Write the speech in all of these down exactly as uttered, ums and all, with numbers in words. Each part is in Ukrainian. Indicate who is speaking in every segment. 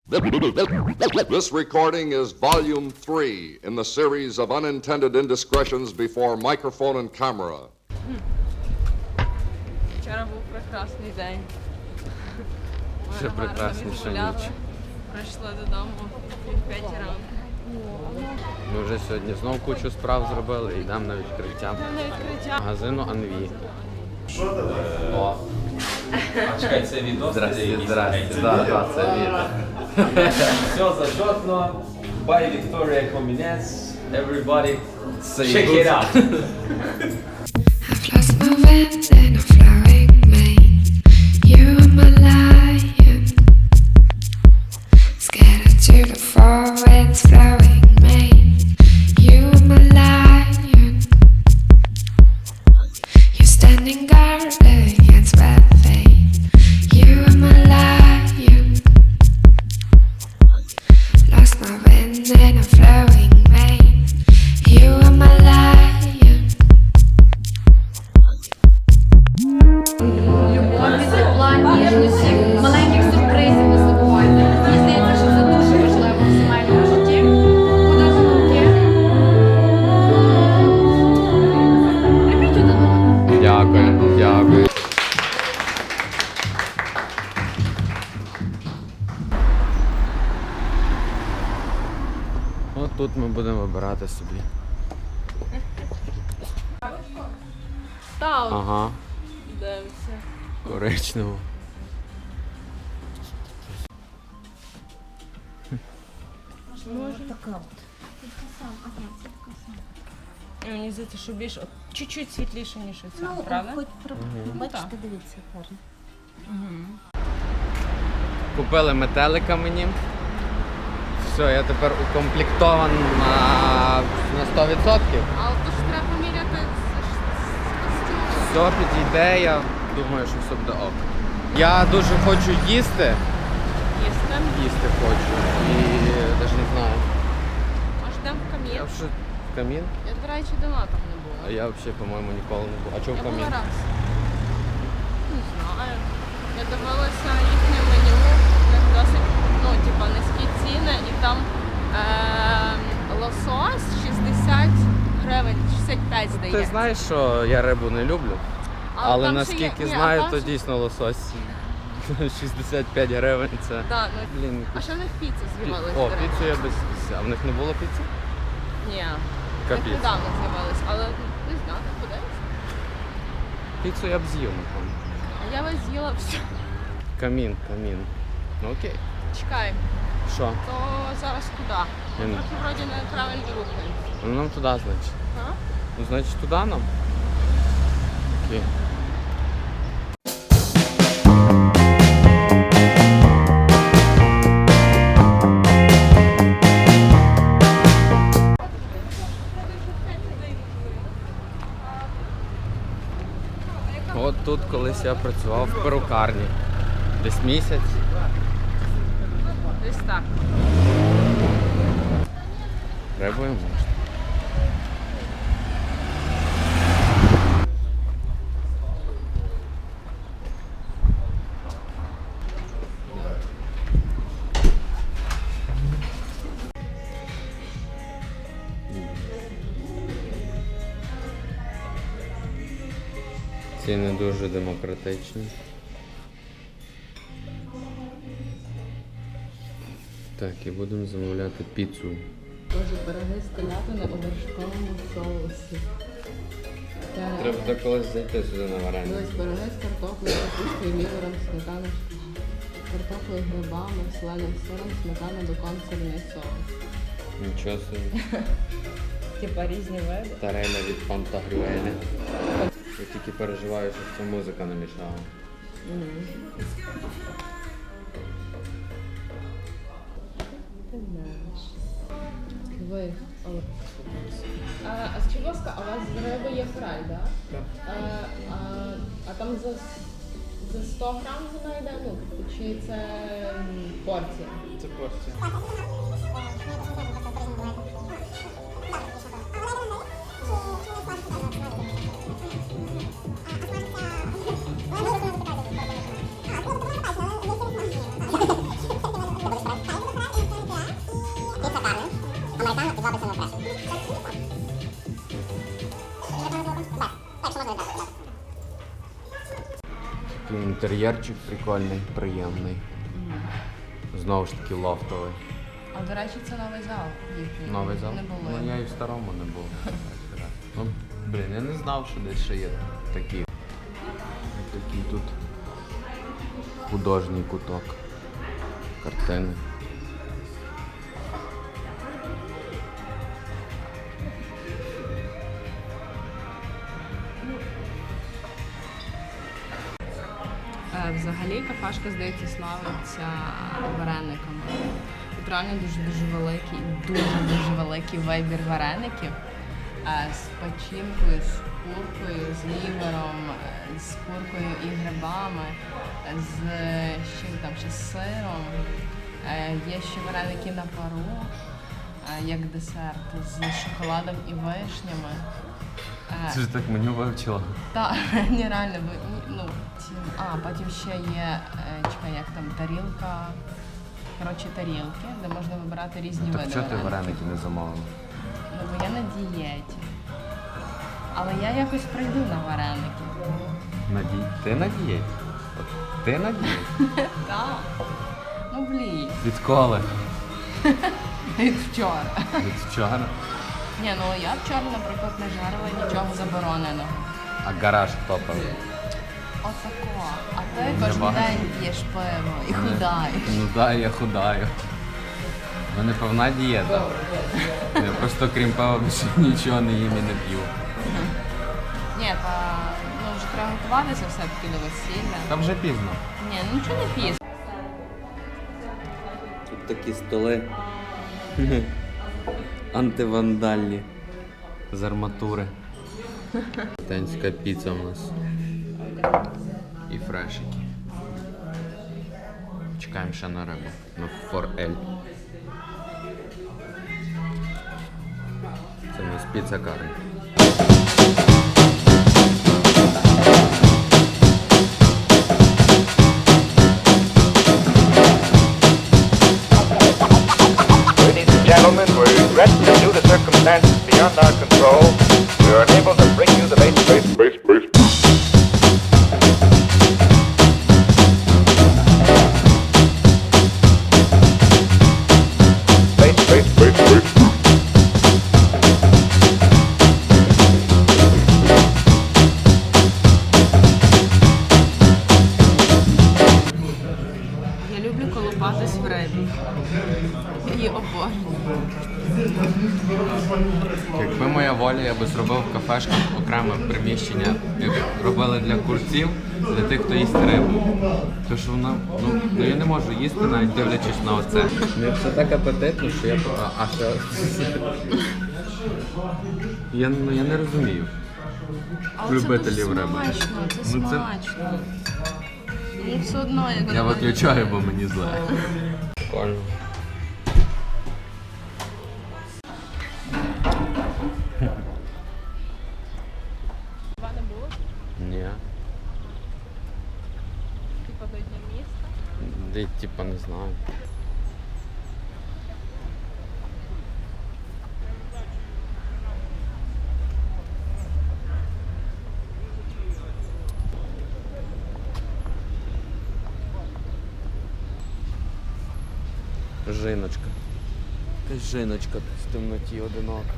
Speaker 1: This recording is volume three in the series of unintended indiscretions before microphone and camera.
Speaker 2: Вчора був прекрасний день. Ми
Speaker 3: Ще
Speaker 2: гарно
Speaker 3: прекрасніша
Speaker 2: відгуляли.
Speaker 3: ніч.
Speaker 2: Прийшли додому пів п'ятій ранку.
Speaker 3: Ми вже сьогодні знов кучу справ зробили і йдемо на відкриття
Speaker 2: На відкриття.
Speaker 3: магазину Анві. О,
Speaker 4: А чекай, це відос?
Speaker 3: здрасте, здрасте. Да, да, це відео.
Speaker 4: Все зачетно. Buy Victoria Камінець. Everybody,
Speaker 3: Це
Speaker 4: check it out.
Speaker 5: I've lost my wind in a flowing mane. You are my lion, scattered to the four winds flowing mane. You are my lion, you're standing guard against bad fate. You are my lion, lost my wind in a flowing mane. You are my lion.
Speaker 6: Любові, тепла, ніжності, маленьких сюрпризів не забувайте. Мені здається, що це дуже важливо в сімейному житті. Подарунки. Любіть один одного.
Speaker 3: Дякую, дякую. От тут ми будемо вибирати собі.
Speaker 2: Таун.
Speaker 3: Ага,
Speaker 2: Дивимося.
Speaker 3: коричневу.
Speaker 2: Мені здається, що більш от, чуть-чуть світліше, ніж оця,
Speaker 7: Ну,
Speaker 2: правда?
Speaker 7: хоч про... бачите,
Speaker 2: так.
Speaker 7: дивіться, гарно.
Speaker 3: Купили метелика мені. Все, я тепер укомплектован на, на сто відсотків.
Speaker 2: Але то ж треба поміряти з, з костюмом.
Speaker 3: Все підійде, я думаю, що все буде ок. Я дуже хочу їсти.
Speaker 2: Їсти.
Speaker 3: Їсти хочу. І навіть не знаю.
Speaker 2: Може, йдемо в камін?
Speaker 3: Я вже в камін.
Speaker 2: Я, до речі, давно там не
Speaker 3: А
Speaker 2: була.
Speaker 3: я взагалі, по-моєму, ніколи не був. А чого в
Speaker 2: Я була
Speaker 3: камін?
Speaker 2: раз. Не знаю. Я дивилася їхнє меню, в них досить, ну, типа, низькі ціни, і там е- лосось шістдесят гривень, шістдесят п'ять, здається.
Speaker 3: Ти знаєш, що я рибу не люблю, але
Speaker 2: там ще
Speaker 3: наскільки
Speaker 2: є- ні, а
Speaker 3: знаю,
Speaker 2: там
Speaker 3: то
Speaker 2: ще-
Speaker 3: дійсно лосось шістдесят п'ять гривень це.
Speaker 2: Да, ну,
Speaker 3: Блін,
Speaker 2: а ще в них піца з'явилася,
Speaker 3: О,
Speaker 2: до речі.
Speaker 3: піцу я без піци. А в них не було піци?
Speaker 2: Ні, в них
Speaker 3: Капець.
Speaker 2: недавно з'явилась, але ну, не знаю, подивимось.
Speaker 3: Піцу я б з'їв, напевно.
Speaker 2: А я вас з'їла все.
Speaker 3: Камін, камін. Ну окей.
Speaker 2: Чекай,
Speaker 3: Що?
Speaker 2: то зараз куди? Ми
Speaker 3: Ні.
Speaker 2: трохи вроді неправильно рухаємося.
Speaker 3: Ну нам туди, значить.
Speaker 2: А?
Speaker 3: Ну, значить, туди нам. Окей. От тут колись я працював в перукарні. Десь місяць.
Speaker 2: Десь так.
Speaker 3: Рибою можна. Ціни дуже демократичні. Так, і будемо замовляти піцу.
Speaker 2: Боже, пироги з телятини у вершковому соусі.
Speaker 3: Треба так колись зайти сюди на варення.
Speaker 2: Ось пироги з картоплею, капустою, лівером, сметаною, картоплею, грибами, соленим сиром, сметана, бекон, сирний соус.
Speaker 3: Нічого собі.
Speaker 2: Типа різні види.
Speaker 3: Тареля від Пантагрюеля. Я тільки переживаю, що ця музика не мішала.
Speaker 2: Ти знаєш. Ви. А, а скажіть, будь ласка, а у вас з риби є фрай, да? Так? А, а, а там за, за сто грам вона йде, ну, чи це м, порція?
Speaker 3: Це порція.
Speaker 8: Thank you.
Speaker 3: Такий інтер'єрчик прикольний, приємний. Знову ж таки лофтовий.
Speaker 2: А до речі, це новий зал їхній.
Speaker 3: Новий зал?
Speaker 2: Не було.
Speaker 3: Ну я і в старому не був. Ну, блін, я не знав, що десь ще є такі. Такий тут художній куток. Картини.
Speaker 2: Е, Взагалі кафешка, здається, славиться варениками. Тут реально дуже-дуже великий, дуже-дуже великий вибір вареників е, з печінкою, з куркою, з лівером, е, з куркою і грибами, е, з з чим там ще з сиром. Е, Є ще вареники на пару, е, як десерт, з шоколадом і вишнями. Е,
Speaker 3: Це ж так меню вивчила.
Speaker 2: Так, ні, реально, ви- ну, ці, а, потім ще є, е, чекай, як там, тарілка, коротше, тарілки, де можна вибирати різні
Speaker 3: Так
Speaker 2: види
Speaker 3: чого ти
Speaker 2: вареників.
Speaker 3: вареники не замовила?
Speaker 2: Ну, бо я на дієті. Але я якось прийду на вареники.
Speaker 3: На ді... Ти на дієті? От Ти на дієті?
Speaker 2: Так. Ну, блін,
Speaker 3: Відколи?
Speaker 2: від вчора.
Speaker 3: Від вчора.
Speaker 2: Ні, ну я вчора, наприклад, не жарила нічого забороненого.
Speaker 3: А гараж хто пив?
Speaker 2: Отако. А ти кожен
Speaker 3: бачу.
Speaker 2: день п'єш пиво і худаєш.
Speaker 3: Ну да, я худаю. У мене повна дієта. Я просто крім пива більше нічого не їм і не п'ю.
Speaker 2: Ні, та ну вже треба готуватися все-таки до весілля.
Speaker 3: Та вже пізно.
Speaker 2: Ні, ну нічого не пізно.
Speaker 3: Тут такі столи антивандальні з арматури. Танська піца у нас. І фрешики. Чекаємо ще на рибу. На форель. Це у нас піца карне.
Speaker 7: Ladies and gentlemen, we regret that due to circumstances beyond our control, we are unable to bring you the base, base, base, base. Base, base, base, base.
Speaker 2: Я люблю колупатись в рибі. Я її обожнюю.
Speaker 3: Якби моя воля, я би зробив в кафешках окреме приміщення, як робили для курців, для тих, хто їсть рибу. Тому що вона, ну, ну я не можу їсти, навіть дивлячись на оце. Мені все так апетитно, що я... А, а що? Я, ну, я не розумію.
Speaker 2: Але
Speaker 3: Любителів
Speaker 2: це дуже
Speaker 3: риби.
Speaker 2: смачно, це
Speaker 3: Ну, це-
Speaker 2: смачно. Ну все одно, як
Speaker 3: Я
Speaker 2: воно
Speaker 3: виключаю, бо мені зле. Прикольно.
Speaker 2: не було,
Speaker 3: Ні.
Speaker 2: типу до Дня міста.
Speaker 3: Де, типа, не знаю. Жіночка. Якась жіночка в темноті одинока.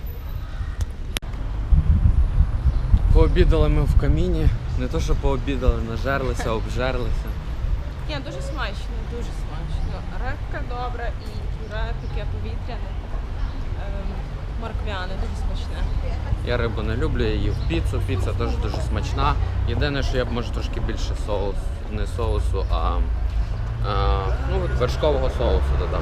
Speaker 3: Пообідали ми в каміні. Не то, що пообідали, нажерлися, обжерлися.
Speaker 2: Ні, дуже смачно, дуже смачно. Рибка добра і пюре таке повітряне, ем, морквяне, дуже смачне.
Speaker 3: Я рибу не люблю, я їв піцу. Піца теж дуже смачна. Єдине, що я б може трошки більше соус, не соусу, а, а ну, от вершкового соусу додав.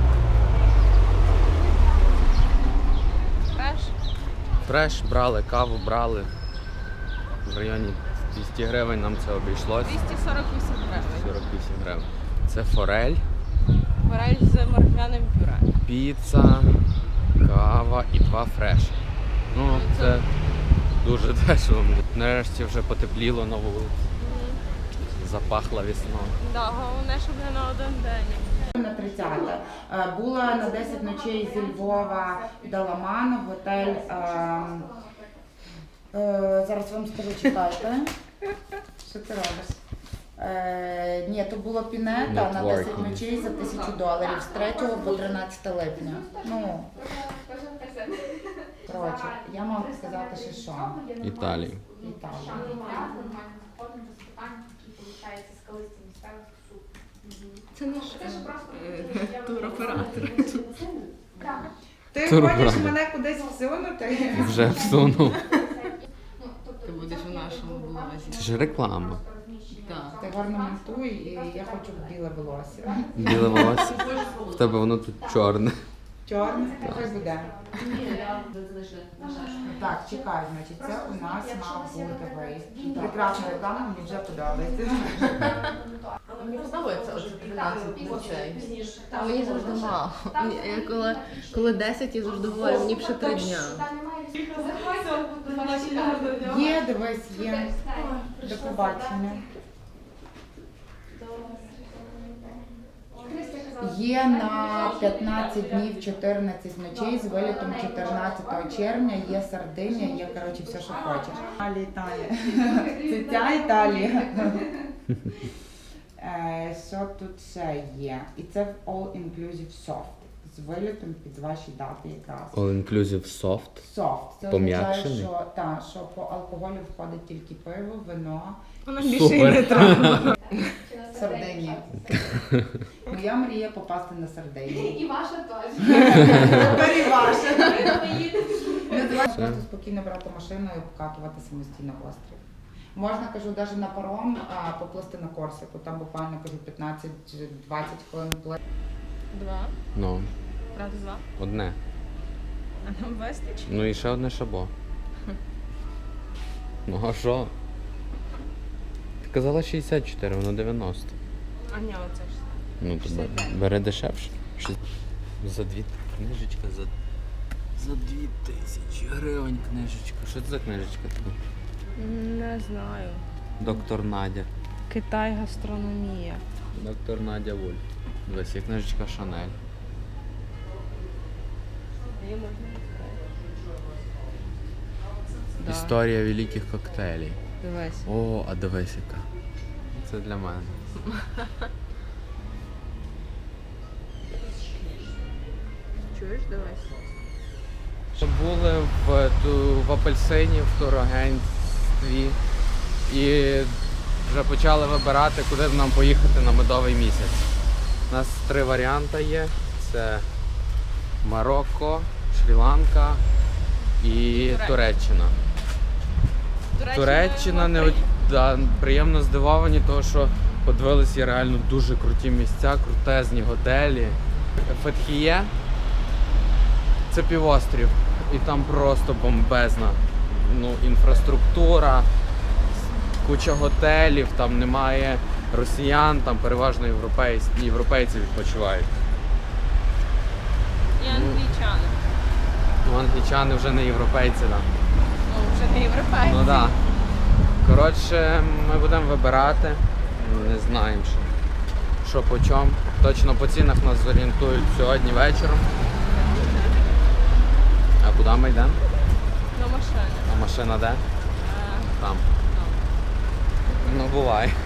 Speaker 2: Фреш?
Speaker 3: Фреш брали, каву брали. В районі двісті гривень нам це обійшлось.
Speaker 2: двісті сорок вісім гривень.
Speaker 3: сорок вісім гривень. Це форель,
Speaker 2: Форель з морквяним пюре.
Speaker 3: піца, кава і два фреші. Ну, це дуже дешево. Нарешті вже потепліло на вулиці. Запахло весною.
Speaker 2: Да, головне, щоб не на один день.
Speaker 8: На тридцяте. Е, Була на десять ночей зі Львова до Ламану, готель. Е, е, зараз вам скажу, чекайте. Що ти робиш? Е, ні, то було Пінета на десять ночей за тисячу доларів з третього по тринадцяте липня. Ну, коротше, я можу сказати, що що?
Speaker 3: Італії.
Speaker 8: Італія.
Speaker 2: Це наш е, туроператор.
Speaker 8: Ти
Speaker 3: Туроператор.
Speaker 8: хочеш мене кудись всунути?
Speaker 3: Вже всунув.
Speaker 2: Ти будеш у нашому блозі.
Speaker 3: Це ж реклама.
Speaker 2: Так.
Speaker 8: Ти гарно монтуй, і я хочу біле волосся.
Speaker 3: Біле волосся. В тебе воно тут чорне.
Speaker 8: Чорне, хай буде. Так, чекай, значить, це у нас мав бути виїзд. Прекрасна реклама, мені вже подобається.
Speaker 2: Мені подобається оце тринадцять ночей. А мені завжди мало. Я коли, коли десять, я завжди говорю, мені б ще три дня.
Speaker 8: Є, дивись, є. До побачення. Є на п'ятнадцять днів, чотирнадцять ночей з вилітом чотирнадцятого червня, є Сардинія, є, коротше, все, що хочеш. Італія, Італія. Це ця Італія. Е, Що тут ще є? І це в All Inclusive Soft. З вилітом під ваші дати якраз.
Speaker 3: All inclusive soft.
Speaker 8: Soft. Це означає,
Speaker 3: Пом'якшений?
Speaker 8: що, та, що по алкоголю входить тільки пиво, вино.
Speaker 2: Вона
Speaker 3: Супер.
Speaker 8: Сардинія. Моя мрія попасти на Сардинію.
Speaker 6: І ваша теж.
Speaker 8: Тепер і ваша. Називається просто спокійно брати машину і обкатувати самостійно острів. Можна, кажу, навіть на паром а, поплисти на Корсику. Там буквально, кажу, п'ятнадцять-двадцять хвилин пли.
Speaker 2: Два.
Speaker 3: Ну,
Speaker 2: Раз, два.
Speaker 3: одне.
Speaker 2: А нам вистачить?
Speaker 3: Ну і ще одне шабо. Ну а що? Ти казала шістдесят чотири, воно дев'яносто.
Speaker 2: А ні, оце ж.
Speaker 3: Ну то бе- бери дешевше. Шість- За дві книжечка, за, за дві тисячі гривень книжечка. Що це за книжечка така?
Speaker 2: Не знаю.
Speaker 3: Доктор Надя.
Speaker 2: Китай гастрономія.
Speaker 3: Доктор Надя Вульф. Дивись, є книжечка Шанель.
Speaker 2: Її можна Да.
Speaker 3: Історія великих коктейлів.
Speaker 2: Дивись.
Speaker 3: О, а дивись яка. Це для мене.
Speaker 2: Чуєш, дивись.
Speaker 3: Були в, ту, в апельсині, в турагентстві і вже почали вибирати, куди нам поїхати на медовий місяць. У нас три варіанти є. Це Марокко, Шрі-Ланка і Туреччина. Туреччина не да, приємно здивовані, тому що подивилися є реально дуже круті місця, крутезні готелі. Фетхіє – це півострів, і там просто бомбезна ну, інфраструктура, куча готелів, там немає росіян, там переважно європейці, європейці відпочивають.
Speaker 2: І англічани.
Speaker 3: Ну, англічани вже не європейці, так. Да.
Speaker 2: Ну, вже не європейці.
Speaker 3: Ну так. Да. Коротше, ми будемо вибирати, не знаємо що, що по чому. Точно по цінах нас зорієнтують сьогодні вечором. А куди ми йдемо?
Speaker 2: На машині.
Speaker 3: А машина де? Там. Ну буває.